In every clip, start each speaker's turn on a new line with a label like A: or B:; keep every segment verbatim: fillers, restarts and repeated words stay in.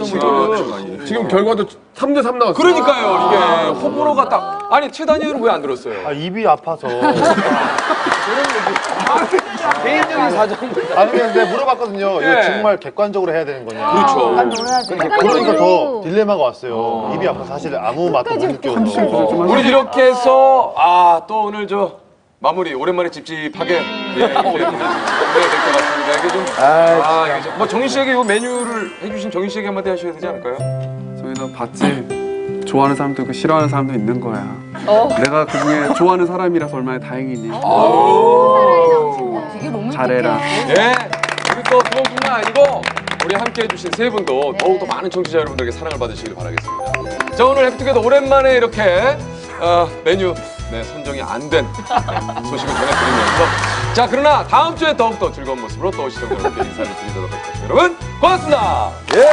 A: 지금, 지금 결과도 삼 대 삼 나왔어요.
B: 그러니까요. 이게 호불호가 딱. 아니 최단위는 왜 안 들었어요?
C: 아, 입이 아파서.
B: 개인적인 사정.
C: 아니 근데 물어봤거든요.
B: 예.
C: 이거 정말 객관적으로 해야 되는 거냐.
B: 그렇죠.
C: 그러니까 더 딜레마가 왔어요. 입이 아파서 사실 아무 맛도 못 느껴서.
B: 우리 이렇게 해서 아 또 오늘 저 마무리 오랜만에 찝찝하게 예, 이렇게 마무리가 될 것 같습니다. 이게 좀 아, 이게 좀, 뭐 정인 씨에게 이 메뉴를 해주신 정인 씨에게 한마디 하셔야 되지 않을까요?
D: 저희도 봤지. 좋아하는 사람도 있고 싫어하는 사람도 있는 거야.
E: 어.
D: 내가 그 중에 좋아하는 사람이라서 얼마나 다행이니.
E: 되게 로맨틱해.
D: 잘해라.
B: 예. 그리고 또 그것뿐만 아니고 우리 함께 해주신 세 분도 더욱더 많은 청취자 여러분들에게 사랑을 받으시길 바라겠습니다. 자 오늘 해피투게더 오랜만에 이렇게 어, 메뉴 네, 선정이 안 된 소식을 전해드리면서 자 그러나 다음 주에 더욱더 즐거운 모습으로 또 시청자분들께 인사를 드리도록 하겠습니다. 여러분 고맙습니다. 예.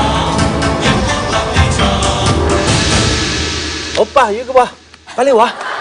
F: 오빠 이거 봐 빨리 와.